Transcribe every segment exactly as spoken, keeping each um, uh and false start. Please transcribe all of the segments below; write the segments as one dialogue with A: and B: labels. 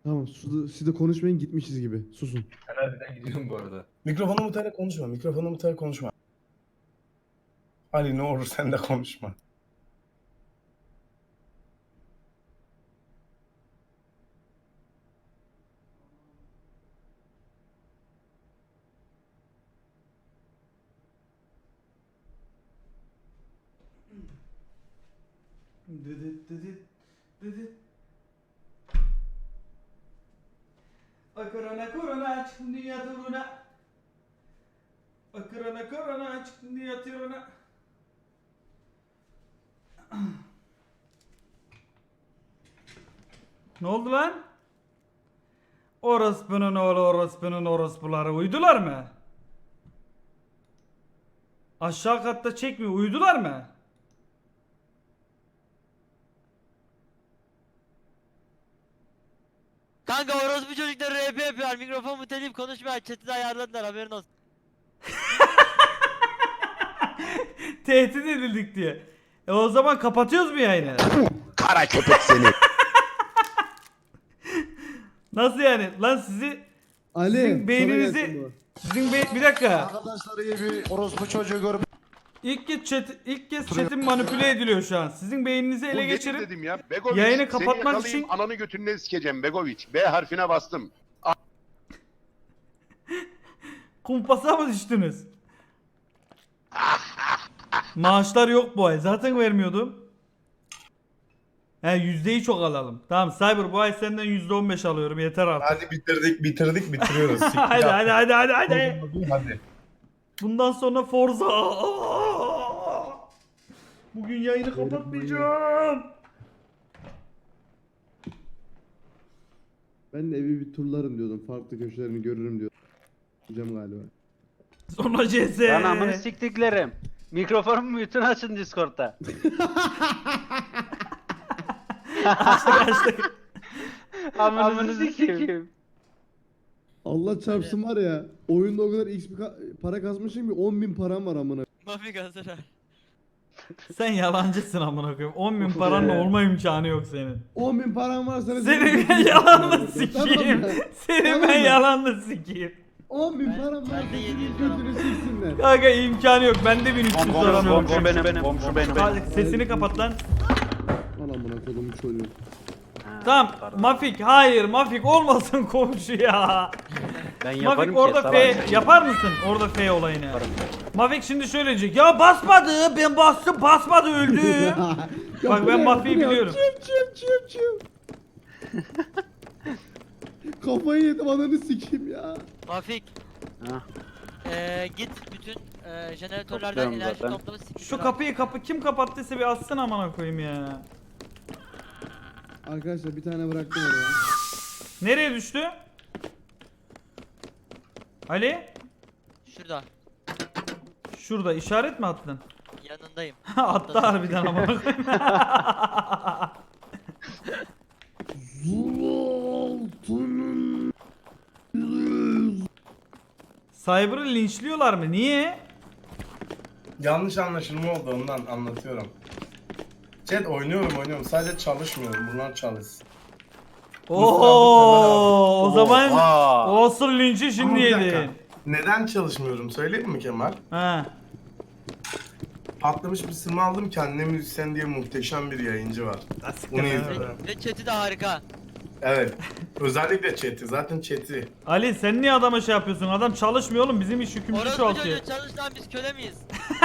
A: Tamam siz siz de konuşmayın gitmişiz gibi. Susun.
B: Ben harbiden gidiyorum bu arada.
C: Mikrofonu mutarak konuşma. Mikrofonu mutarak konuşma. Ali ne olur sen de konuşma.
D: Dıdıt dıdıt dıdıt. Korona korona çıktın dünya turuna. Korona korona çıktın dünya turuna. Ne oldu lan? Orospunun oğlu orospunun orospuları uydular mı? Aşağı katta çekmiyor, uydular mı?
E: Kanka orospu çocukları R P yapıyor. Mikrofon muteleyip konuşmuyor. Chat'i de ayarladılar, haberin olsun.
D: Tehdit edildik diye. E o zaman kapatıyoruz mu yayını?
F: Kara köpek seni.
D: Nasıl yani? Lan sizi
A: Ali.
D: Sizin
A: sana
D: beyninizi
A: gelsin bu.
D: sizin be bir dakika.
F: Arkadaşlar iyi bir orospu çocuğu görüp
D: İlk kez chat ilk kez chat'in manipüle ediliyor şu an. Sizin beyninizi ele
G: Bu nedir
D: geçirip
G: dedim ya. Begoviç,
D: yayını
G: seni
D: kapatmak
G: yakalayayım,
D: için-
G: ananı götünden sikeceğim Begoviç. B harfine bastım.
D: kumpasa mı düştünüz? Maaşlar yok bu ay. Zaten vermiyordum. He yüzdeyi çok alalım. Tamam Cyber bu ay senden yüzde on beş alıyorum. Yeter artık.
C: Hadi bitirdik bitirdik bitiriyoruz. Siktir
D: hadi,
C: yap.
D: hadi hadi hadi hadi.
C: Hadi.
D: Bundan sonra Forza. Bugün yayını kapatmayacağım.
A: Ben de evi bir turlarım diyordum. Farklı köşelerini görürüm diyordum. Diyeceğim galiba.
D: Sonra C S.
H: Lan amını siktiklerim. Mikrofonumu bütün açın Discord'da.
D: Açtık açtık.
H: Amını sikeyim.
A: Allah çarpsın var ya. Oyunda o kadar X bir ka- para kasmışım ki on bin param var amına.
E: Mafik hazır.
D: Sen yalancısın amına koyayım. on bin paranla olma imkanı yok senin.
A: on bin param var sana.
D: Senin ben yalanını sikeyim.
A: Tamam mı?
D: Senin
A: Tamam
D: ben
A: mı?
D: yalanını sikeyim.
A: on bin
E: Ben-
A: param var.
E: ben de yedi yüz
A: Senin götünü siksinler.
D: Kanka imkanı yok. Bende bin üç yüz param yok.
H: Komşu benim, komşu benim.
D: Hadi sesini kapat lan.
A: Al amına kodumu çocuğu.
D: Tamam. Mafik hayır Mafik olmasın komşu ya.
H: Ben yaparım
D: Mafik
H: ki.
D: orada
H: salak.
D: F yapar mısın? Orada F olayını. Mafik şimdi şöyle diyecek. Ya basmadı. Ben bastım basmadı öldü. Bak ben Mafi'yi biliyorum.
A: Çim çim çim çim. Kafayı yedim ananı sikeyim ya.
E: Mafik.
H: Ha.
E: Eee git bütün eee jeneratörlerden
H: Topluyorum
E: enerji
H: zaten.
E: toplama siktir.
D: Şu kapıyı kapı kim kapattıysa bir açsın amına koyayım ya.
A: Arkadaşlar bir tane bıraktım oraya.
D: Nereye düştü? Ali?
E: Şurada.
D: Şurada işaret mi attın?
E: Yanındayım.
D: Attı harbiden amına koyayım. Cyber'ı linçliyorlar mı? Niye?
C: Yanlış anlaşılma oldu ondan anlatıyorum. Chat oynuyorum oynuyorum sadece çalışmıyorum bunlar çalışsın.
D: Oo, o zaman
H: Oha.
D: olsun linçi
C: Ama
D: şimdi
C: bir dakika,
D: yedin.
C: neden çalışmıyorum söyleyeyim mi Kemal?
D: Ha.
C: Patlamış bir sırma aldım kendine müzisyen diye muhteşem bir yayıncı var. Bunu izliyorum.
E: Ve chat'i de harika.
C: Evet. Özellikle chat'i zaten chat'i.
D: Ali sen niye adama şey yapıyorsun? Adam çalışmıyor oğlum bizim iş yükümlü
E: Orospu
D: çoğaltıyor.
E: çocuğu çalış lan, biz köle miyiz?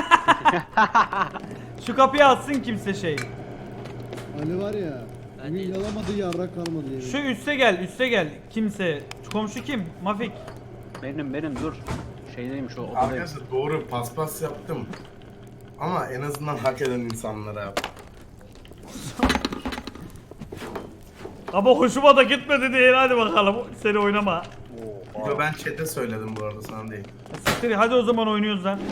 D: Şu kapıyı atsın kimse şey.
A: Ali var ya.
E: Ben
A: Bugün
E: değilim.
A: yalamadı yarrak kalmadı yemin.
D: Şu üste gel üste gel. Kimse. Şu komşu kim? Mafik.
H: Benim benim dur. Şeydeyim şu odadayım.
C: Arkadaşlar doğru paspas yaptım. Ama en azından hak eden insanlara yaptım.
D: Ama hoşuma da gitmedi değil hadi bakalım. Seni oynama.
C: Yo, ben chat'e söyledim bu arada sana değil.
D: Siktir, hadi o zaman oynuyoruz lan.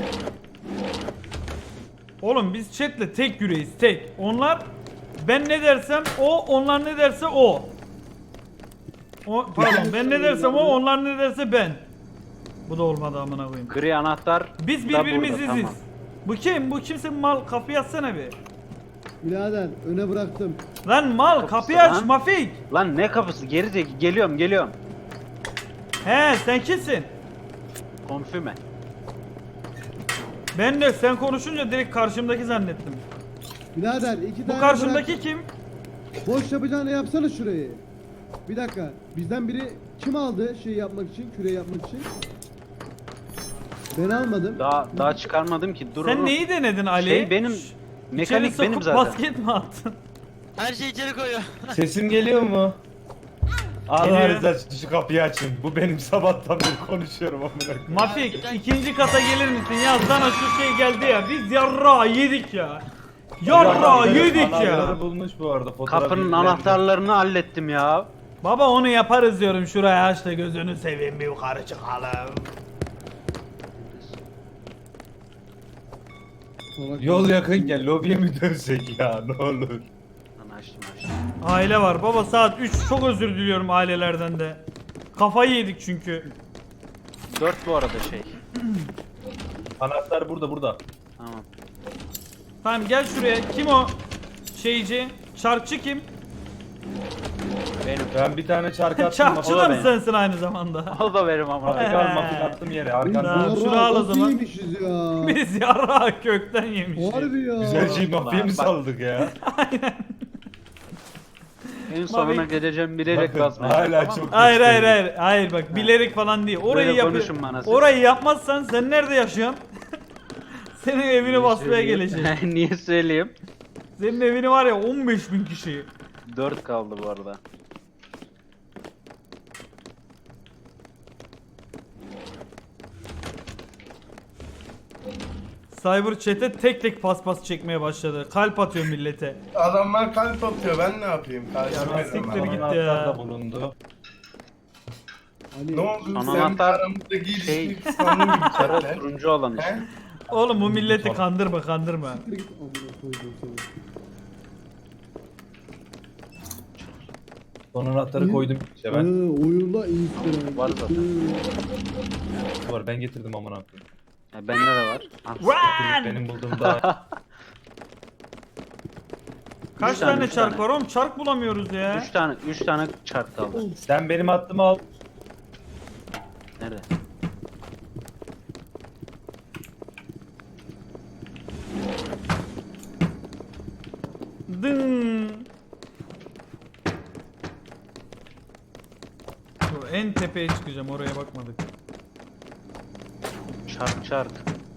D: Oğlum biz chatle tek yüreğiz tek. Onlar ben ne dersem o, onlar ne derse o. O pardon ben ne dersem o, onlar ne derse ben. Bu da olmadı amına koyayım.
H: Gri anahtar
D: Biz
H: da
D: birbirimiziz.
H: burada, tamam.
D: Bu kim? Bu kimse mal kapıyı atsana bir.
A: Birader öne bıraktım.
D: Lan mal
H: Kapısı
D: kapıyı aç
H: lan.
D: Mafik.
H: Lan ne kapısı? Geri zeki. Geliyorum geliyorum.
D: He sen kimsin?
H: Konfüme.
D: Ben de sen konuşunca direkt karşımdaki zannettim.
A: Birader iki tane
D: Bu karşımdaki
A: bırak.
D: kim?
A: Boş yapacağını yapsana şurayı. Bir dakika. Bizden biri kim aldı şey yapmak için, küre yapmak için? Ben almadım.
H: Daha daha çıkarmadım ki. Dur
D: Sen
H: oğlum.
D: neyi denedin Ali?
H: Şey benim
D: Şşş,
H: mekanik
D: içeri
H: benim
D: sokup
H: zaten.
D: basket mi attın?
E: Her şeyi içeri koyuyor.
B: Sesim geliyor mu? Allah
D: Geliyor.
B: rızası için şu kapıyı açın. Bu benim sabahtan beri konuşuyorum amına koyayım.
D: Mafik ikinci kata gelir misin? Ya sana şu şey geldi ya. Biz yarra yedik ya. Yarra
B: Anahtarı-
D: yedik ya.
B: anahtarı bulmuş bu arada. fotoğraf
H: Kapının
B: yüklendi.
H: anahtarlarını hallettim ya.
D: Baba onu yaparız diyorum şuraya aç da gözünü seveyim bir yukarı çıkalım.
A: Salak.
B: Yol yakınken lobiye mi dönsek ya ne olur.
H: Lan açtım açtım.
D: Aile var baba saat üç çok özür diliyorum ailelerden de. Kafayı yedik çünkü.
H: Dört bu arada şey.
B: Anahtar burada burada.
H: Tamam.
D: Tamam gel şuraya. Kim o şeyci? Çarkçı kim?
H: Benim.
B: Ben bir tane çark attım.
D: Çarkçı
H: o
D: da
H: da
D: mı
H: benim.
D: sensin aynı zamanda?
H: O da benim ama.
B: Mafik al mafik attım yere.
A: Biz
B: Arkandan.
D: Tamam,
A: yarrağı
D: şunu al o
A: nasıl
D: zaman.
A: yemişiz ya?
D: Biz yarra kökten yemişiz.
A: Harbi ya.
B: Güzel şey mafiye mi
H: Bak.
B: saldık ya?
H: En sonuna
D: Mafik-
H: geleceğim bilerek
B: Bakın,
H: basmaya.
B: hala
H: Tamam mı?
B: çok-
D: Hayır hayır hayır. Hayır bak bilerek falan değil. Orayı
H: Böyle
D: yap.
H: konuşun bana siz.
D: Orayı yapmazsan sen nerede yaşıyorsun? Senin evini basmaya gelecek.
H: Niye söyleyeyim?
D: Senin evini var ya on beş bin kişi.
H: Dört kaldı bu arada.
D: Cyber chat'e tek tek paspas çekmeye başladı. Kalp atıyor millete.
C: Adamlar kalp atıyor ben ne yapayım? Karşıma
D: Ya siktir
C: adamlar.
D: git.
B: Anahtar
D: ya.
B: da bulundu.
A: Hani
C: Ne oldu?
H: Son
C: Sen
H: anahtar
C: aramızdaki
H: şey-
C: ilişkiyi kıskandın gibi
H: sarı
C: chatte.
H: turuncu olan işte.
C: He?
D: Oğlum bu milleti kandırma kandırma.
A: siktir git amına koydum seni.
B: Son anahtarı koydum işte
A: Hı,
B: ben.
A: oyunda Instagram.
H: Var zaten.
A: Hı.
B: Var ben getirdim amına koyayım.
H: Ya bende de var. Ah,
D: Run!
B: Benim bulduğum daha.
D: Kaç
H: Üç tane,
D: tane
H: üç
D: çark
H: tane.
D: var oğlum? Çark bulamıyoruz ya.
H: Üç tane, üç tane çark kaldı.
B: Sen benim attığımı al.
H: Nerede?
D: Dın. Dur, en tepeye çıkacağım oraya bakmadık.
H: Çark çark.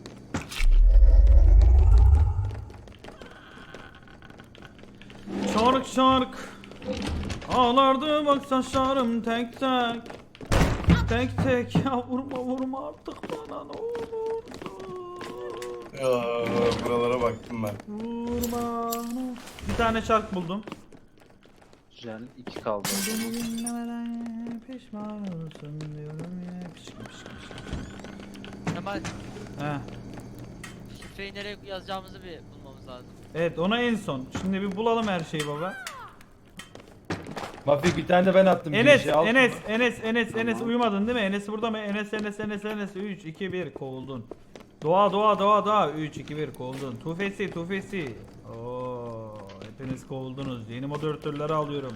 D: Çark çark. Ağlardı bak saçlarım tek tek. Tek tek ya vurma vurma artık bana ne olursun.
C: Ya, buralara baktım ben.
D: Vurma. Bir tane çark buldum.
H: Güzel. iki kaldı.
D: Beni dinlemeden pişman olsun diyorum ya. Pişkin pişkin pişkin.
E: Kemal
D: Heh.
E: şifreyi nereye yazacağımızı bir bulmamız lazım.
D: Evet ona en son. Şimdi bir bulalım her şeyi baba.
B: Mafik bir tane de ben attım.
D: Enes,
B: girişe, al.
D: Enes, Enes, Enes, Enes uyumadın değil mi? Enes burada mı? Enes, Enes, Enes, Enes. üç, iki, bir kovuldun. Doğa, doğa, doğa, doğa. üç, iki, bir kovuldun. Tufesi, tufesi. Oo, hepiniz kovuldunuz. Yeni moderatörleri alıyorum.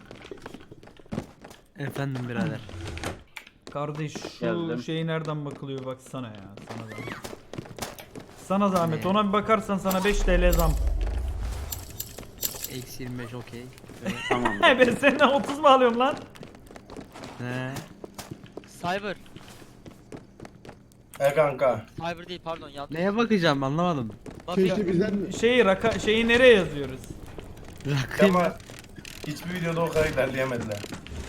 I: Efendim birader.
D: Kardeş şu
H: Geldim.
D: şeyi nereden bakılıyor baksana ya. Sana zahmet. Sana zahmet. Ona bir bakarsan sana beş T L zam.
I: Eksi yirmi beş okey.
H: Tamam.
D: He ben senden otuz mu alıyorum lan?
I: Ne?
E: Cyber.
C: E kanka.
E: Cyber değil pardon yanlış.
I: Neye bakacağım anlamadım.
E: Mafik.
A: Keşke bizden
D: Şeyi raka şeyi nereye yazıyoruz?
I: Rakayım.
C: Kemal. Hiçbir videoda o kadar ilerleyemediler.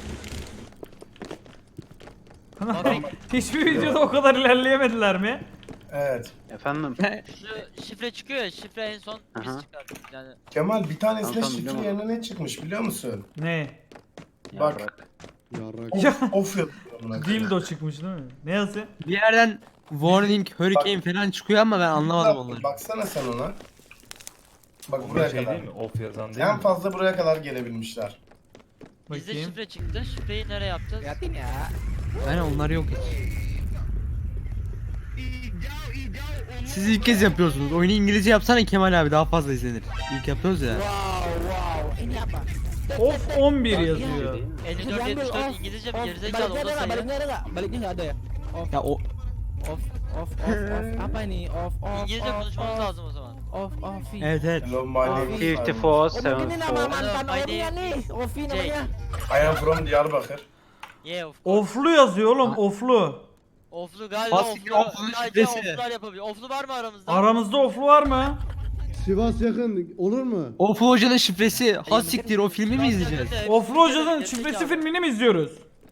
E: Mafik.
D: Hiçbir videoda o kadar ilerleyemediler mi?
C: Evet.
H: Efendim.
E: Şu şifre çıkıyor ya şifre en son biz
H: Aha.
E: çıkardık yani.
C: Kemal bir tanesine
H: Tamam,
C: şifre
H: biliyorum.
C: yerine ne çıkmış biliyor musun?
D: Ne?
C: Bak.
H: Yarrak.
A: yarrak.
D: Ya.
C: Of, of yazıyor buna.
D: Dildo çıkmış değil mi? Ne yazı?
I: Bir yerden warning, hurricane falan çıkıyor ama ben anlamadım onları.
C: Baksana sen ona. Bak
B: Bu
C: buraya
B: şey
C: kadar.
B: değil mi? Off yazan değil
C: En
B: mi?
C: fazla buraya kadar gelebilmişler.
E: Bizde
D: Bakayım.
E: şifre çıktı. Şifreyi nereye yapacağız?
I: Ben onlar yok hiç. Siz ilk kez yapıyorsunuz. Oyunu İngilizce yapsana Kemal abi daha fazla izlenir. İlk yapıyoruz ya.
D: Of on bir yazıyor.
E: elli dört yetmiş dört İngilizce mi gerizekalı o da sayı.
I: Ya o
E: İngilizce konuşmamız lazım o zaman.
I: evet evet.
C: Hello, my name is
H: fifty
C: Simon.
H: four, seventy four.
E: Jake.
C: I am from Diyarbakır.
E: Yeah of course.
D: Oflu yazıyor oğlum oflu.
E: Oflu galiba
I: Hassiktir,
E: oflu.
I: oflunun
E: Sadece
I: şifresi.
E: oflular yapabiliyor. Oflu var mı aramızda?
D: Aramızda oflu var mı?
A: Sivas yakın olur mu?
I: Oflu Hoca'nın şifresi. Ha siktir o filmi mi izleyeceğiz?
D: Oflu Hoca'nın şifresi filmini mi izliyoruz?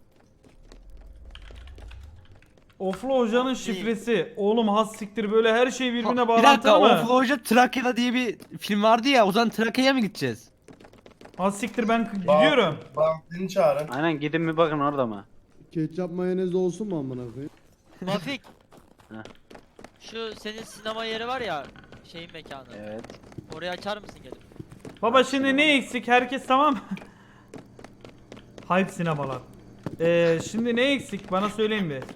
D: Oflu Hoca'nın şifresi. Oğlum has siktir böyle her şey birbirine
I: Bir dakika
D: bağlantılı mı?
I: Oflu Hoca Trakya'da diye bir film vardı ya o zaman Trakya'ya mı gideceğiz?
D: Has siktir ben k- gidiyorum.
C: Bahattin'i çağırın.
H: Aynen gidin bir bakın orada mı?
A: Ketçap mayonez olsun mu amına koyayım?
E: Mafik.
H: Heh.
E: Şu senin sinema yeri var ya şeyin mekanı.
H: Evet.
E: Orayı açar mısın gelip?
D: Baba şimdi ne eksik? Herkes tamam mı? Hype sinemalar. Ee, şimdi ne eksik? Bana söyleyin bir.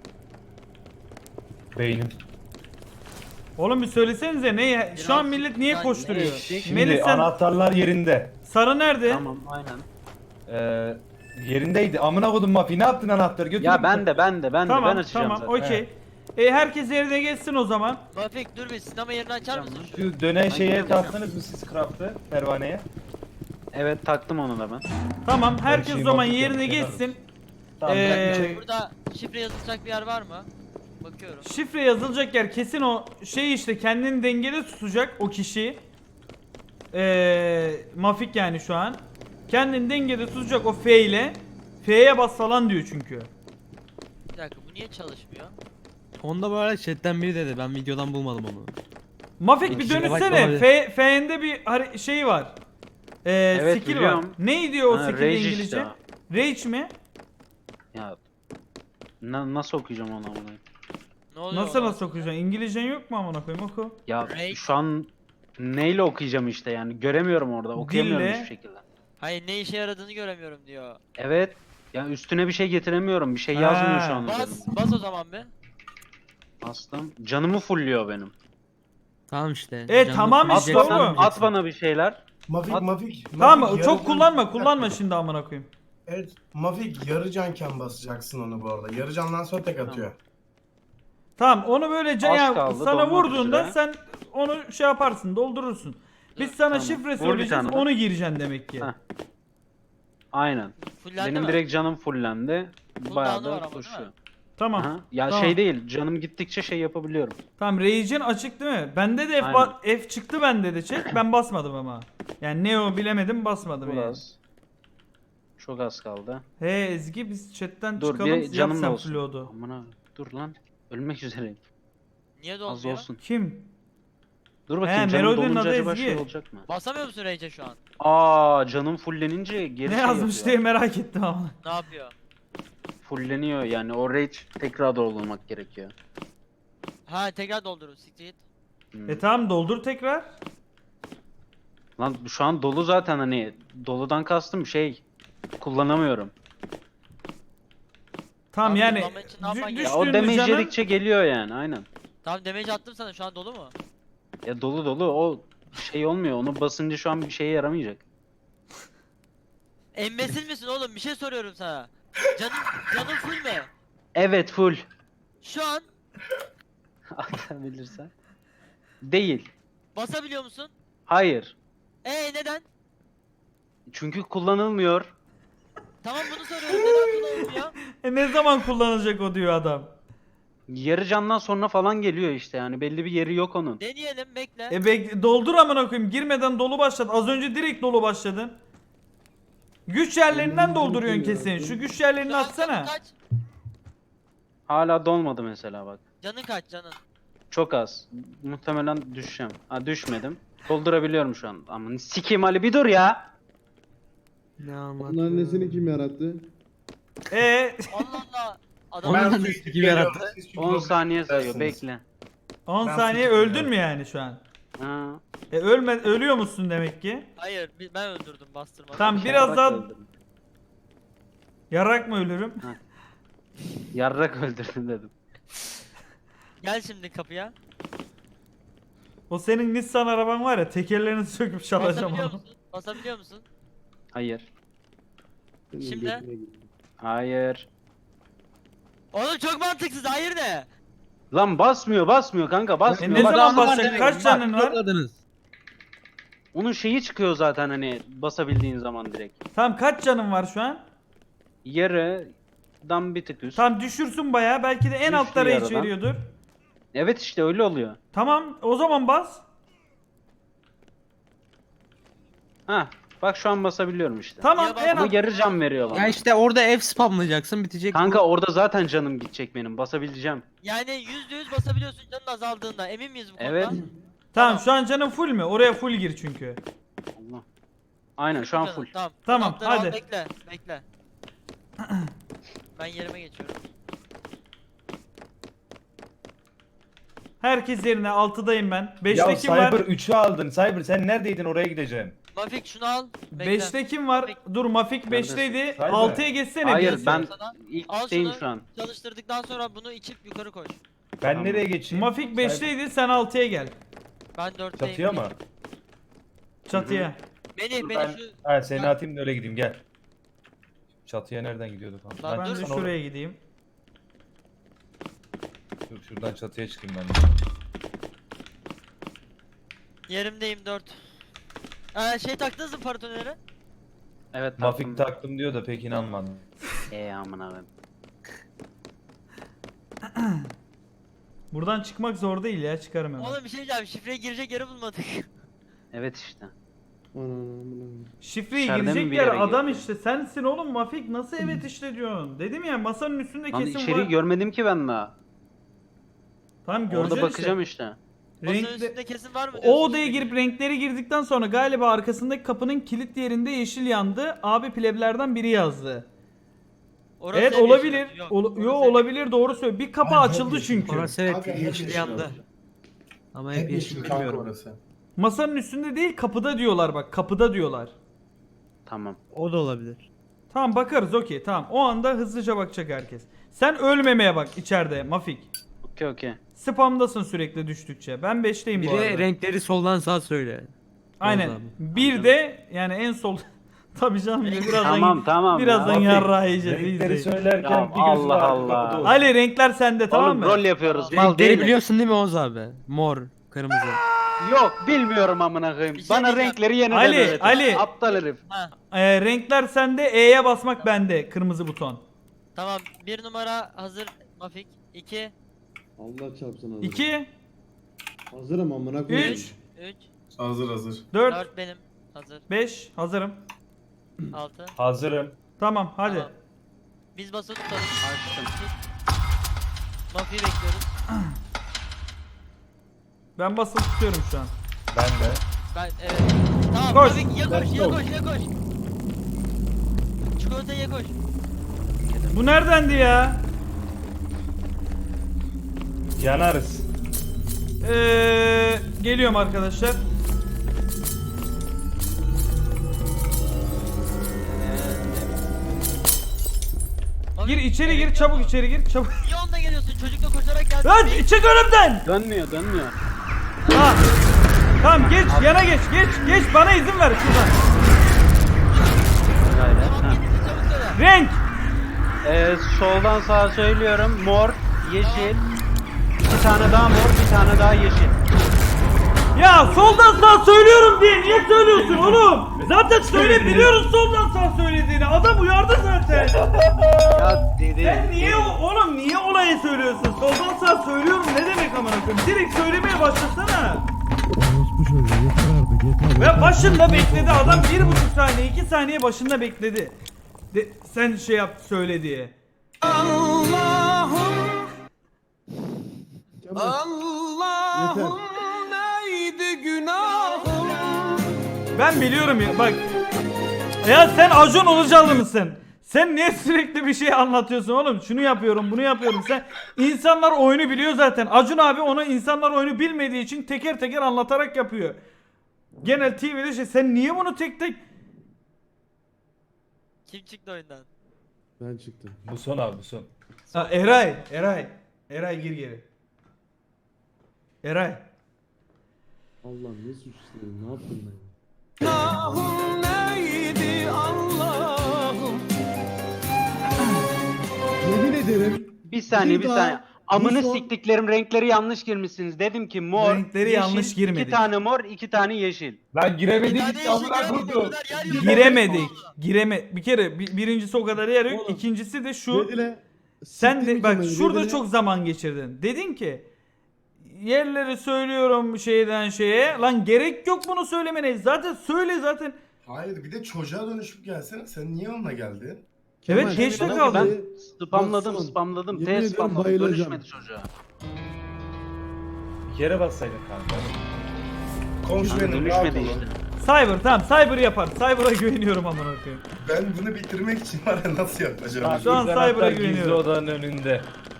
B: Beynim.
D: Oğlum bir söylesenize ne? Şu an millet niye
E: Yani
D: koşturuyor?
B: Şimdi
D: Melih sen
B: anahtarlar yerinde.
D: sarı nerede?
H: Tamam aynen.
B: Ee, yerindeydi. Amına kodum Mafi ne yaptın anahtarı götür.
H: Ya ben de ben de ben de ben
D: Tamam
H: açacağım
D: tamam
H: zaten.
D: okey. E herkes yerine geçsin o zaman.
E: Mafik dur bir sinema yerini açar mısın şu?
B: Şu dönen şeye taktınız mı siz craft'ı pervaneye?
H: Evet taktım onu da ben.
D: Tamam herkes o
B: şeyi
D: zaman
B: mantık
D: yerine
B: yapıyorum.
D: geçsin.
B: Tamam ben
D: Ee,
B: bir şey...
E: Burada şifre yazılacak bir yer var mı? Bakıyorum.
D: Şifre yazılacak yer kesin o şey işte kendini dengede tutacak o kişi. Ee, Mafik yani şu an. Kendini dengede tutacak o F ile. F'ye bas falan diyor çünkü.
E: Bir dakika bu niye çalışmıyor?
I: Onda böyle chatten biri dedi ben videodan bulmadım onu.
D: Mafik bir
I: İkisine
D: dönüşsene.
I: bakmadı.
D: F, F'nde bir hari- şey var. Ee,
H: Evet,
D: skill var.
H: biliyorum.
D: Neydi o
H: Ha,
D: skill
H: rage
D: İngilizce?
H: işte
D: Rage mi?
H: Ya na- nasıl okuyacağım onu amına?
E: Ne oluyor?
D: Nasıl
E: ona?
D: nasıl okuyacaksın? İngilizcen yok mu amına koyayım oku.
H: Ya
E: Rage.
H: şu an neyle okuyacağım işte yani göremiyorum orada okuyamıyorum
D: Dille.
H: hiçbir şekilde.
E: Hayır ne işe yaradığını göremiyorum diyor.
H: Evet. Ya üstüne bir şey getiremiyorum. Bir şey yazmıyor
D: Ha.
H: şu an.
E: Bas,
H: üzerinde.
E: bas o zaman be.
H: Bastım. Canımı fulluyor benim.
I: Tamam işte.
D: E,
I: Canını
D: tamam
H: At,
D: işte
I: fullleyeceksen
H: bana,
D: oğlum.
H: at bana bir şeyler.
C: Mafik
H: At-
C: Mafik.
D: Tamam
C: Mafik,
D: çok
C: yarı
D: kullanma
C: can-
D: kullanma şimdi amına koyayım.
C: Evet Mafik yarı canken basacaksın onu bu arada. Yarı candan sonra tek atıyor.
D: Tamam onu böyle
H: Az
D: ya
H: kaldı,
D: sana
H: dolmak
D: vurduğunda
H: üzere.
D: sen onu şey yaparsın doldurursun. Biz sana
H: Tamam.
D: şifre
H: Vur bir
D: söyleyeceğiz
H: tane.
D: onu gireceksin demek ki.
H: Heh. Aynen.
E: Fullendi
H: benim
E: mi?
H: direkt canım fullendi.
E: Cooldown'u
H: Bayağı
E: var
H: da
E: ama, değil
H: koşuyor.
E: mi?
D: Tamam.
H: Aha. Ya
D: Tamam.
H: şey değil. Canım gittikçe şey yapabiliyorum.
D: Tamam Rage'in açık değil mi? Bende de F,
H: Aynen.
D: ba- F çıktı bende de çek. Ben basmadım ama. Yani ne o bilemedim basmadım
H: Çok
D: yani.
H: az. Çok az kaldı.
D: He Ezgi biz chatten
H: Dur
D: çıkalım.
H: bir
D: Yap
H: canım da
D: sen
H: olsun.
D: flood'u.
H: Amına dur lan. Ölmek üzereyim.
E: Niye
H: Az
E: dolmuyor?
H: olsun.
D: Kim?
H: Dur bakayım
D: He,
H: canım
D: Melody'nin
H: dolunca
D: adı
H: acaba
D: Ezgi.
H: şey olacak mı?
E: Basamıyor musun Rage'e şu an?
H: Aa canım fullenince geri
D: Ne
H: şey
D: yazmış
H: yapıyor.
D: diye merak ettim ama.
E: Ne yapıyor?
H: Fulleniyor yani o rage tekrar doldurmak gerekiyor.
E: Ha tekrar doldurun siktir git.
H: Hmm.
D: E tamam doldur tekrar.
H: Lan şu an dolu zaten hani doludan kastım şey kullanamıyorum.
D: Tamam
E: Abi,
D: yani
E: kullanmak için ne yapman
D: dü-
E: gerekiyor?
H: Ya o
D: düştüğünde
H: damage
D: canın
H: yedikçe geliyor yani aynen.
E: Tamam damage attım sana şu an dolu mu?
H: Ya dolu dolu o şey olmuyor onu basınca şu an bir şeye yaramayacak.
E: Embesil misin oğlum bir şey soruyorum sana. Canın, canın full mü?
H: Evet full.
E: Şu an
H: Atabilirsen. Değil.
E: basabiliyor musun?
H: Hayır.
E: Ee neden?
H: Çünkü kullanılmıyor.
E: Tamam bunu soruyorum neden kullanılmıyor?
D: e, ne zaman kullanılacak o diyor adam.
H: Yarı candan sonra falan geliyor işte yani belli bir yeri yok onun.
E: Deneyelim bekle.
D: E bek doldur amına koyayım. Girmeden dolu başladı. Az önce direkt dolu başladın. Güç yerlerinden dolduruyorsun kesin. Şu güç yerlerini
E: Şu an
D: atsana.
E: Canın kaç?
H: Hala dolmadı mesela bak.
E: Canın kaç canın?
H: Çok az. Muhtemelen düşeceğim. Ha düşmedim. Doldurabiliyorum şu an. Ama sikeyim Ali bir dur ya.
I: Ne
A: Onun
I: anlatıyor?
A: annesini kim yarattı?
D: E
E: Allah Allah. Adam
I: Onun
C: Ben
I: annesi
C: su içip
I: gibi
C: geliyorum,
I: yarattı.
C: siz çünkü
H: on
C: yok
H: saniye sayıyor
C: dersiniz.
H: bekle.
D: on
C: Ben
D: saniye
C: fikir
D: öldün
C: veriyorum.
D: mü yani şu an?
H: Ha.
D: E ölme ölüyor musun demek ki?
E: hayır bi- ben öldürdüm bastırmadım.
D: Tamam biraz
H: Yarrak
D: daha
H: öldürdüm.
D: yarak mı ölürüm?
H: Yarrak öldürdüm dedim.
E: Gel şimdi kapıya.
D: O senin Nissan araban var ya, tekerlerini söküp çalacağım
E: Basabiliyor
D: onu.
E: musun? Basabiliyor musun?
H: Hayır.
A: Senin
E: Şimdi?
A: götüne git.
H: Hayır.
E: Oğlum çok mantıksız. Hayır ne?
H: Lan basmıyor basmıyor kanka
D: E
H: basmıyor.
D: ne
H: Bak,
D: zaman
H: anı var
D: basacak?
H: demek.
D: Kaç
H: Bak,
D: canın var?
I: Tıkladınız.
H: Onun şeyi çıkıyor zaten hani basabildiğin zaman direkt.
D: Tamam, kaç canın var şu an?
H: Yarıdan bir tık üst.
D: Tamam, düşürsün bayağı. Belki de en
H: Düştü
D: altta rage
H: yarıdan.
D: veriyordur.
H: Evet işte öyle oluyor.
D: Tamam, o zaman bas.
H: Ha bak şu an basabiliyorum işte.
D: Tamam,
E: Niye
D: en
H: Ama
D: alt...
H: yarı can veriyor
I: Ya
H: bana.
I: işte orada F spamlayacaksın bitecek.
H: Kanka orada zaten canım gidecek benim basabileceğim.
E: Yani yüzde yüz basabiliyorsun canın azaldığında. Emin miyiz bu konuda?
H: Evet.
D: Tamam, şu an canın full mü? Oraya full gir çünkü.
H: Allah. Aynen şu an
E: Canım,
H: full.
E: Tamam.
D: Tamam,
E: Anahtarı al,
D: hadi.
E: Bekle. Bekle. Ben yerime geçiyorum.
D: Herkes yerine, altıdayım ben.
B: Ya
D: beşte kim var?
B: Cyber üçü aldın. Cyber sen neredeydin, oraya gideceğim.
E: Mafik şunu al. Bekle.
D: beşte kim var? Dur, Mafik beşteydi.
B: Cyber.
D: altıya geçsene.
H: Hayır
D: birisi.
H: ben
E: Sana.
H: ilk
E: Al
H: şeyim
E: şunu.
H: şu an.
E: Çalıştırdıktan sonra bunu içip yukarı koş.
B: Ben
H: Tamam.
B: nereye geçeyim?
D: Mafik
B: Cyber-
D: beşteydi, sen altıya gel.
E: Ben dörtteyim.
B: Çatıya mı?
D: Çatıya.
E: Beni, beni
B: Ben
E: şu...
B: ha, seni
E: Ya.
B: atayım da öyle gideyim, gel. Çatıya nereden gidiyorduk?
E: Lan
B: Lan
D: Ben
E: dur.
D: de
B: sana
D: şuraya gideyim.
B: or- Dur, şuradan çatıya çıkayım ben de.
E: Yerimdeyim dört. Ee, şey taktınız mı paratoner'e?
H: Evet
B: Mafik
H: taktım.
B: taktım diyor da pek inanmadım.
H: Eee amına koyayım.
D: Buradan çıkmak zor değil ya, çıkarım hemen.
E: Oğlum bir şey diyeceğim. Şifreye girecek yeri bulmadık.
H: Evet işte.
A: Ana, amına.
D: Şifreyi
H: İçeride mi
D: girecek
H: bir
D: yer
H: yere
D: adam
H: girdi?
D: işte. Sensin oğlum Mafik, nasıl evet işte diyorsun. Dedim ya, masanın üstünde
H: Lan
D: kesin
H: içeriği
D: var.
H: görmedim ki ben daha.
D: Tamam,
H: Orada
D: göreceksin
H: bakacağım
D: işte.
H: işte.
E: Masanın
D: Renkli-
E: üstünde kesin var mı
D: O
E: diyorsun
D: odaya
E: şifreyi?
D: girip renkleri girdikten sonra galiba arkasındaki kapının kilit yerinde yeşil yandı. Abi pleblerden biri yazdı.
E: Orası
D: Evet,
E: ev
D: olabilir.
E: yeşili. Yok,
D: Ol-
E: orası
D: yo
E: ev-
D: olabilir, doğru söylüyor. Bir kapı açıldı çünkü.
I: Orası evet
C: Kanka, hep
I: yeşil
C: yeşil
I: yandı.
C: oldu.
I: Ama hep yeşil
C: kanka
I: bilmiyorum.
C: orası.
D: Masanın üstünde değil, kapıda diyorlar bak. Kapıda diyorlar.
H: Tamam.
I: O da olabilir.
D: Tamam, bakarız, okey, tamam. O anda hızlıca bakacak herkes. Sen ölmemeye bak içeride Mafik.
H: Okey okey.
D: Spamdasın sürekli düştükçe. Ben beşteyim
I: Bir
D: bu
I: de
D: arada.
I: renkleri soldan sağa söyle.
D: Aynen.
I: Oldu
D: Bir de yani en sol... Tabii canım, birazdan
H: Tamam tamam.
D: birazdan
H: ya.
D: yarrağı yiyeceğiz.
B: Renkleri
D: izleyin.
B: söylerken
H: Ya
B: bir gözü
H: Allah
B: var,
H: Allah.
B: kapıda olsun.
D: Ali, renkler sende, tamam
H: Oğlum
D: mı?
H: rol yapıyoruz. Mal
I: Renkleri
H: değil.
I: biliyorsun değil mi Oğuz abi? Mor, kırmızı.
H: Yok bilmiyorum amına koyayım.
E: Bir şey
H: Bana
E: diyeceğim.
H: renkleri yeniden
D: Ali,
H: öğretin.
D: Ali.
H: Aptal herif.
E: Ha,
D: Ee, renkler sende, E'ye basmak bende. Kırmızı buton.
E: tamam. Bir numara hazır Mafik. İki,
A: Allah çarpsın hazırım.
D: iki,
A: Hazırım amına koyayım.
D: üç,
E: üç,
C: Hazır hazır.
D: dört,
E: dört benim. Hazır.
D: beş. Hazırım.
E: Altı.
B: Hazırım.
D: Tamam, hadi.
E: Tamam. Biz basılı tutalım.
H: Açtım.
E: Mafi'yi bekliyoruz.
D: Ben basılı tutuyorum şu an.
B: Ben de.
E: Ben evet. Tamam
D: Koş.
E: Mafik ya koş
B: Let's
E: ya
B: go.
E: koş ya koş. Çikolatayı ye koş.
D: Bu neredendi ya?
B: Yanarız.
D: Ee, geliyorum arkadaşlar.
E: Mafik,
D: Gir içeri
E: evet,
D: gir, çabuk
E: yapma.
D: içeri gir, çabuk.
E: Niye onunla geliyorsun? Çocukla koşarak geldin.
D: Lan çık önümden.
H: Dönmüyor dönmüyor.
D: Ha. Tamam, geç, yana geç, geç, geç, bana izin ver şuradan.
H: Gayret.
E: Tamam
H: Ha.
E: gittin çabuk söyle.
D: Renk.
H: Ee, soldan sağa söylüyorum. Mor, yeşil. Bir tane daha mor, bir tane daha yeşil.
D: Ya soldan sağ söylüyorum diye niye söylüyorsun oğlum? Zaten söyle, biliyoruz soldan sağ söylediğini. Adam uyardı zaten.
H: Ya dedi.
D: Sen niye o- oğlum niye olayı söylüyorsun? Soldan sağ söylüyorum ne demek amına koyayım? Direkt söylemeye başlasana. Ve başında bekledi adam, bir buçuk saniye, iki saniye başında bekledi. De, sen şey yap, söyle diye.
A: Yeter.
D: Ben biliyorum ya, bak. Ya sen Acun Ilıcalı mısın? Sen niye sürekli bir şey anlatıyorsun oğlum? Şunu yapıyorum, bunu yapıyorum. Sen insanlar oyunu biliyor zaten. Acun abi ona insanlar oyunu bilmediği için teker teker anlatarak yapıyor. Genel T V'de şey, sen niye bunu tek tek...
E: Kim çıktı oyundan?
A: Ben çıktım.
B: Bu son abi, bu son.
D: Ha, Eray, Eray. Eray gir geri. Eray.
A: Allah'ım ne suç işledim, ne yaptım ben? Yemin ederim.
H: Bir saniye bir
A: daha
H: saniye.
A: bu
H: Amını
A: son-
H: siktiklerim renkleri yanlış girmişsiniz. Dedim ki mor,
D: Renkleri
H: yeşil,
D: yanlış girmedik.
H: iki tane mor, iki tane yeşil.
B: Lan
E: Bir
B: giremedik
E: tane
B: işte
E: yeşil
B: amına
E: göremedim,
B: koydum.
E: o kadar yer yok.
D: Giremedik. Gireme bir kere bi- birincisi o kadar yer yok.
A: Oğlum,
D: İkincisi de şu.
A: Redile,
D: Sen
A: siktir
D: de bak
A: Kemal'i,
D: şurada
A: Redile-
D: çok zaman geçirdin. Dedin ki yerleri söylüyorum şeyden şeye. Lan gerek yok bunu söylemene. Zaten söyle zaten.
C: Hayır bir de çocuğa dönüşüp gelsene. Sen niye onunla geldin?
A: Kemal,
D: Evet, geçte
A: bak
D: kaldı.
A: abi,
H: Ben spamladım
A: bak son.
H: spamladım.
A: Yemin
H: T
A: ederim
H: spamladım.
A: bayılacağım.
H: Dönüşmedi çocuğa.
B: Bir kere bassaydın kanka.
C: Konuş
H: Kanka
C: benim rahat
H: dönüşmedi
C: olun.
H: işte.
D: Cyber tamam Cyber yapar. Cyber'a güveniyorum amına koyayım.
C: Ben bunu bitirmek için var ya nasıl yapacağım?
D: Şu an
B: Gizli
D: Cyber'a
B: anahtar Gizli
D: güveniyorum.
B: odanın önünde.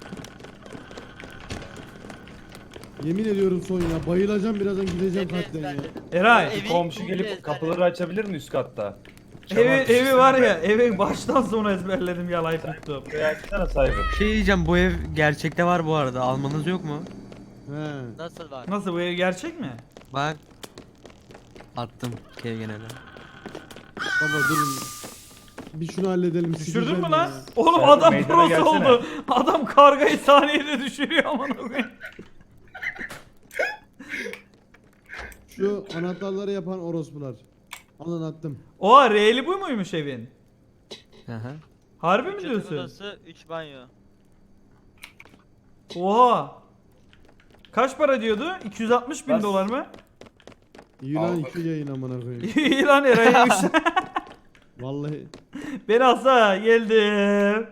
A: Yemin ediyorum son ya, bayılacağım birazdan gideceğim
E: Evi
A: kalpten ya.
E: ezberledim.
D: Eray.
E: Evi-
B: Komşu
E: evi
B: gelip
E: ezberledim.
B: kapıları açabilir mi üst katta?
D: Evi, evi var ya evi baştan sona ezberledim yalayıp tuttum.
B: Şurayı açsana sahibi.
I: Şey diyeceğim, bu ev gerçekte var bu arada. Almanız yok mu?
A: He.
E: Nasıl var?
D: Nasıl bu ev gerçek mi?
I: Bak. Attım kev genelde.
A: Baba durun. Bir şunu halledelim.
D: Düşürdün
A: sikeceğim
D: mü lan?
A: ya.
D: Oğlum
B: Sen
D: adam
B: meydana
D: prosu
B: gelsene.
D: oldu. Adam kargayı saniyede düşürüyor amına koyayım.
A: Şu anahtarları yapan orospular. Alın attım.
D: Oha R'li bu muymuş evin?
I: Hı hı.
D: Harbi mi
E: üç
D: diyorsun?
E: yatak odası, üç banyo.
D: Oha. Kaç para diyordu? iki yüz altmış bin
B: Bas.
D: dolar mı?
A: İyi lan
C: Al
A: iki yayın amına koyayım.
D: İyi lan Eray'mış.
A: Vallahi.
D: Beni alsa geldim.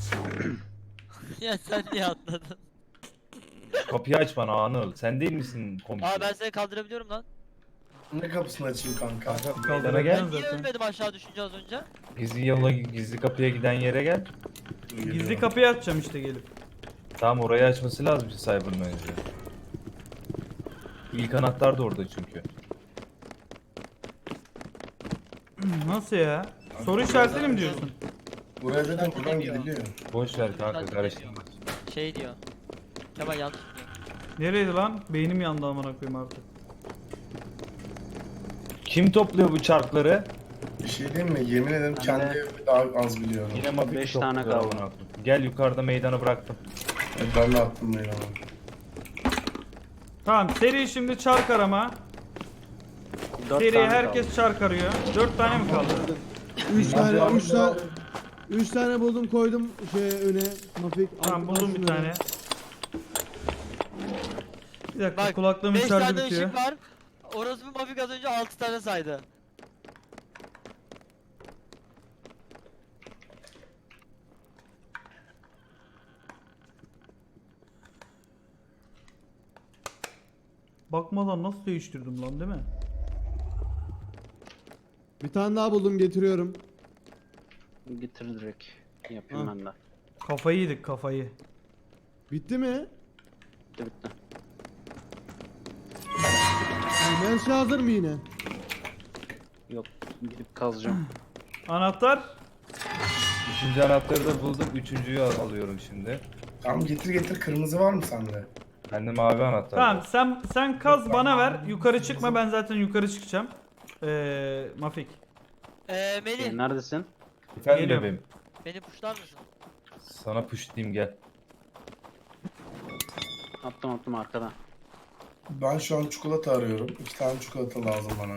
E: Ya sen niye atladın?
B: Kapıyı aç bana Anıl. Sen değil misin komşu?
E: Aa ben seni kaldırabiliyorum lan.
C: Ne kapısını açayım kanka?
B: Meydana gel.
E: Ben niye
D: zaten.
E: ölmedim aşağı düşünce az önce?
B: Gizli yola gizli kapıya giden yere gel.
D: Gizli kapıyı açacağım işte gelip.
B: Tamam orayı açması lazım Cyber'ın önce. İlk anahtar da orada çünkü.
D: Nasıl ya? Soru işaretli mi diyorsun?
C: Buraya dedim buradan gidiliyor.
B: Boş ver kanka karıştırma.
E: Şey diyor. Kemal yanlış diyor.
D: Nereydi lan? Beynim yandı amına koyayım artık.
B: Kim topluyor bu çarkları?
C: Bir şey diyeyim mi? Yemin ederim
H: Ben
C: kendi
H: de-
C: evimi daha az biliyorum.
B: Yine mafik
H: Beş tane
B: topluyor
H: kaldı.
B: amına koyayım. Gel yukarıda meydana bıraktım.
C: Ben de attım böyle ama.
D: Tamam seri şimdi çark arama.
H: Dört
D: Seri
H: tane
D: herkes
H: kaldı.
D: çark arıyor. dört tane mi kaldı?
A: Üç tane, üç tane. Üç tane buldum koydum şey öne. Mafik.
D: Tamam
A: altına
D: buldum bir
A: şunları.
D: tane. Bir dakika
E: Bak
D: kulaklığımın
E: beş
D: şarjı
E: tane
D: bitiyor.
E: ışık var. Orospu Mafik az önce altı tane saydı.
D: Bakmadan nasıl değiştirdim lan değil mi?
A: Bir tane daha buldum getiriyorum.
H: Getir direkt. Yapayım
A: Ha.
H: ben de.
D: Kafayı yedik kafayı.
A: Bitti mi?
H: Bitti bitti.
A: Yani her şey hazır mı yine?
H: Yok gidip kazacağım.
D: Anahtar.
B: Üçüncü anahtarı da buldum. Üçüncüyü al- alıyorum şimdi.
C: Tamam getir getir kırmızı var mı sende?
B: Bende mavi anahtar
D: Tamam
B: var.
D: sen sen kaz bana ver. Yukarı çıkma ben zaten yukarı çıkacağım. Ee, Mafik.
E: Eee Melih
H: Ee, neredesin?
B: Efendim
D: Geliyorum.
B: bebeğim.
E: beni puşlar mısın?
B: Sana pushlayayım gel.
H: Attım attım arkada.
C: Ben şu an çikolata arıyorum. İki tane çikolata lazım bana.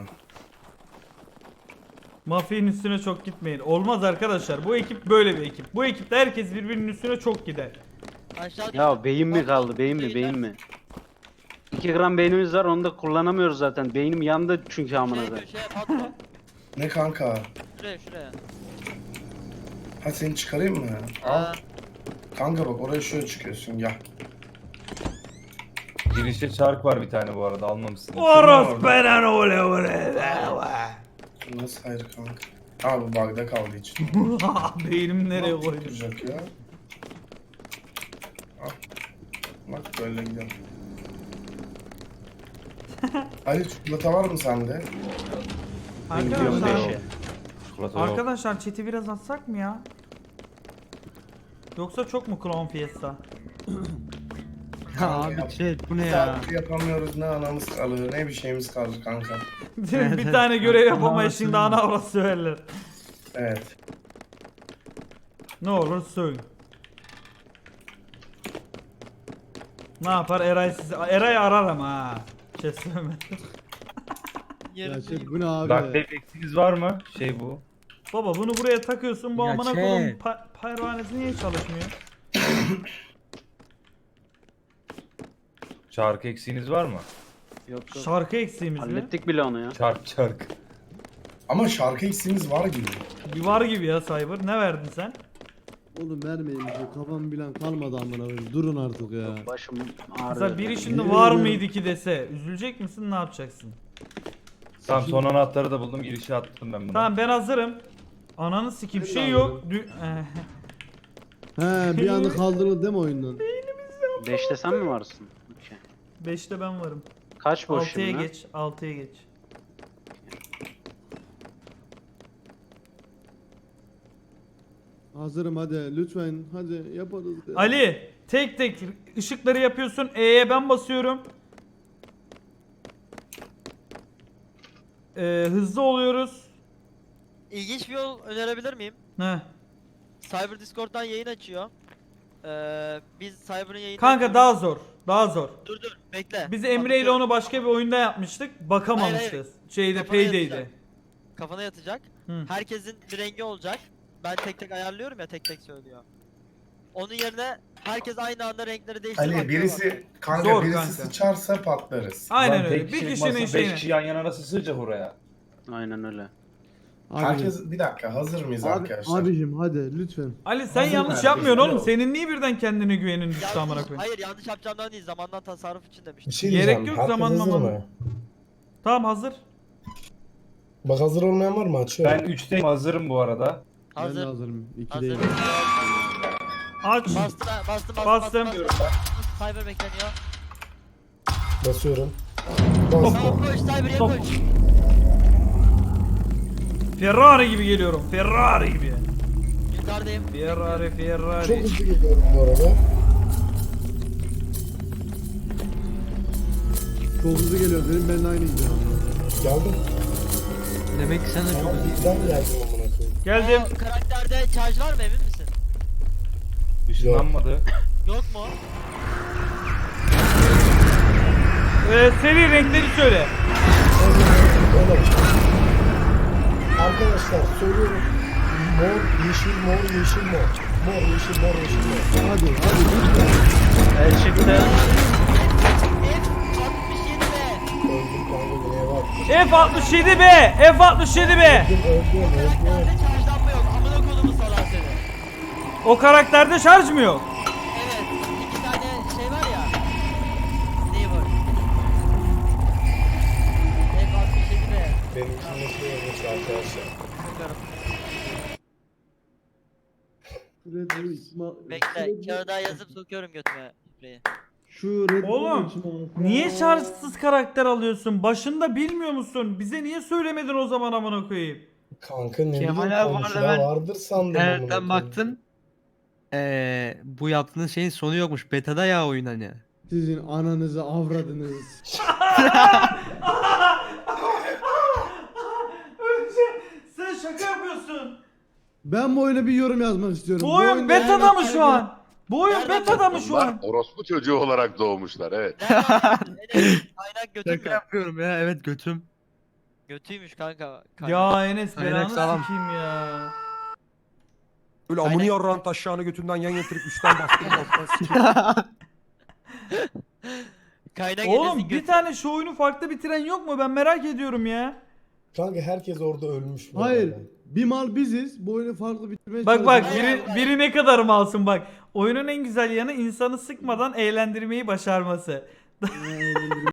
D: Mafik'in üstüne çok gitmeyin. Olmaz arkadaşlar. Bu ekip böyle bir ekip. Bu ekipte herkes birbirinin üstüne çok gider.
E: Aşağı
H: Ya beyin mi kaldı? Beyin mi? Beyin mi? iki gram beynimiz var onu da kullanamıyoruz zaten. Beynim yandı çünkü amına
E: Şey
H: koyayım.
E: köşeye patron.
C: Ne kanka?
E: Şuraya şuraya.
C: Ha seni çıkarayım mı?
E: Aa,
C: Kanka bak oraya şöyle çıkıyorsun gel.
B: Girişte çark var bir tane bu arada almamışsın.
D: Oros benen ole ole.
C: Nasıl hayır kanka? Ha bu bug'da kaldığı için.
D: Beynim nereye koydum?
C: Duracak ya. Al. Bak böyle gidelim. Ali çikolata var mı sende?
H: Gidiyorum
D: Arkadaşlar,
H: beşe.
B: Çikolata yok.
D: arkadaşlar chat'i biraz atsak mı ya? Yoksa çok mu Clown Fiesta?
I: Ya abi chat bu ne ya?
C: Saat yapamıyoruz, ne anamız kalır ne bir şeyimiz kalır kanka.
D: bir tane görev yapamayız şimdi ana avrat söylerler.
C: Evet.
D: Ne olur söyle. Ne yapar Eray sizi? Eray arar ama ha. Şey söyleme.
A: Ya chat bu ne abi?
B: Bak eksiğiniz var mı? Şey bu.
D: Baba bunu buraya takıyorsun bu
I: Ya
D: amına
I: şey.
D: koyduğum pa- pervanesi niye çalışmıyor?
B: Çark eksiğiniz var mı?
H: Yok yok.
D: Şarkı eksiğimiz mi?
H: Hallettik bile onu ya.
B: Çark çark.
C: Ama şarkı eksiğimiz var gibi.
D: Bir var gibi ya Cyber. Ne verdin sen?
A: Oğlum vermeyin bize. Kafam bilen kalmadı amına koyayım. Durun artık ya.
H: Başım ağrıyor.
D: Mesela biri şimdi
A: Yemin
D: var
A: ediyorum.
D: mıydı ki dese üzülecek misin ne yapacaksın?
B: Tamam son anahtarı da buldum. Girişe attım ben bunu.
D: Tamam ben hazırım. Ananı sikim
A: Ben de
D: şey yok. Dü- Eh.
A: He bir anda kaldırıldı değil mi oyundan?
H: Beşte sen mi varsın? Okey.
D: Beşte ben varım.
H: Kaç boş
D: Altıya
H: şimdi?
D: geç. Altıya geç.
A: Hazırım hadi lütfen hadi yaparız. ya.
D: Ali tek tek ışıkları yapıyorsun. E'ye ben basıyorum. Ee, hızlı oluyoruz.
E: İlginç bir yol önerebilir miyim?
D: Heh.
E: Cyber Discord'dan yayın açıyor. Ee, biz Cyber'ın yayını
D: Kanka
E: açıyoruz.
D: daha zor. Daha zor.
E: Dur dur bekle.
D: Biz Emre ile onu başka bir oyunda yapmıştık. Bakamamışız.
E: Hayır,
D: Şeyde
E: Kafana
D: Payday'de.
E: yatacak. Kafana yatacak.
D: Hı.
E: Herkesin bir rengi olacak. Ben tek tek ayarlıyorum ya, tek tek söylüyor. Onun yerine herkes aynı anda renkleri değiştirip
C: Ali birisi kanka
D: Zor
C: birisi
D: kanka.
C: sıçarsa patlarız.
D: Aynen
B: Lan
D: öyle.
B: tek
D: Bir
B: kişilik
D: kişinin
B: masa,
D: şeyine.
B: beş kişi yan yana nasıl sığacak oraya?
H: Aynen öyle.
A: Abi,
C: Herkes bir dakika hazır mıyız
A: abi,
C: arkadaşlar?
A: abicim hadi lütfen.
D: Ali sen
C: Hazır
D: yanlış
C: nerede?
D: yapmıyorsun oğlum.
C: Yok.
D: Senin niye birden kendine güvenin düştü amına
E: Yanlış,
D: koyayım?
E: hayır yanlış yapacağımdan değil, zamandan tasarruf için demiştim.
C: Bir şey
D: Gerek
C: diyeceğim.
D: yok,
C: Herkes
D: zaman
C: hazır
D: maman.
C: mı?
D: Tamam hazır.
C: Bak hazır olmayan var mı? Açıyorum.
B: Ben üçteyim hazırım bu arada.
A: Ben de
E: Hazır.
A: hazırım. İki
E: Hazır.
A: değil.
D: Aç.
E: Bastım, bastım, bastım,
D: Bastım.
E: bastım, bastım. Cyber bekleniyor.
C: Basıyorum.
E: Tamam koş, Cyber'e
D: Stop.
E: koş.
D: Ferrari gibi geliyorum. Ferrari gibi.
E: Yukarıdayım.
D: Ferrari, Ferrari.
C: Çok hızlı geliyorum bu arada.
A: Çok hızlı geliyor. Benim benimle aynı gidiyor.
C: Geldim.
I: Demek ki sen de çok
C: Ama birden geldim amına koyayım.
D: Geldim.
E: O karakterde charge var mı, emin misin?
B: Işınlanmadı.
E: Yok mu?
D: Ee, seri renkleri söyle.
C: Öyle bir şey. Arkadaşlar söylüyorum. Mor, yeşil, mor, yeşil, mor. Mor, yeşil, mor, yeşil, mor.
A: Hadi hadi lütfen.
H: El çıktı.
E: F altmış yedi be.
C: Öldüm kanka neye bak.
D: F altmış yedi be. F altmış yedi be.
C: Öldüm, öldüm, öldüm.
E: Karakterde charge'lanma yok. Amına kodumu salar seni.
D: O karakterde şarj mı yok?
E: Evet. iki tane şey var ya. Neyi var? F altmış yedi be.
C: Benimkinin şey olmuş arkadaşlar.
E: Bakarım.
A: Red Bull içime-
E: Bekle.
A: Red Bull-
E: Kağıda yazıp sokuyorum götüme. Şurayı.
A: Şu Red Bull'un
D: Oğlum,
A: içime-
D: Niye şarjsız karakter alıyorsun? Başında bilmiyor musun? Bize niye söylemedin o zaman amına koyayım?
C: Kanka ne
I: Kemal
C: bileyim
I: abi
C: komşuda
I: vardı, ben
C: vardır sandım. amına
I: internetten
C: koyayım.
I: baktım. Ee, bu yaptığınız şeyin sonu yokmuş. Beta'da ya oyun hani.
A: Sizin ananızı avradınız.
D: Sen şaka yapıyorsun.
A: Ben bu oyuna bir yorum yazmak istiyorum.
D: Bu oyun
A: oyunda-
D: beta'da mı şu an? Bu oyun
E: Nereden
D: beta'da mı şu
G: Bunlar
D: an?
G: orospu çocuğu olarak doğmuşlar evet.
E: Nereden? Enes, Kaynak götüm
I: Şaka
E: mü?
I: yapıyorum ya, evet götüm.
E: Götüymüş kanka. Kaynak.
D: Ya Enes
I: Aynen,
D: belanı
I: sağlam.
D: sikeyim ya.
J: Böyle
E: Aynen.
J: amını yarran taşağını götünden yan getirip üstten bastırıp alttan sikeyim.
E: Kaynak
D: Oğlum
E: Enes'in
D: bir
E: götü.
D: tane şu oyunu farklı bitiren yok mu? Ben merak ediyorum ya.
C: Kanka herkes orada ölmüş. bu
A: Hayır.
C: arada.
A: Bir mal biziz. Bu oyunu farklı bitirmeye
D: Bak bak
A: çalışıyoruz.
D: biri, biri ne kadar malsın bak. Oyunun en güzel yanı insanı sıkmadan eğlendirmeyi başarması.
A: Aynen.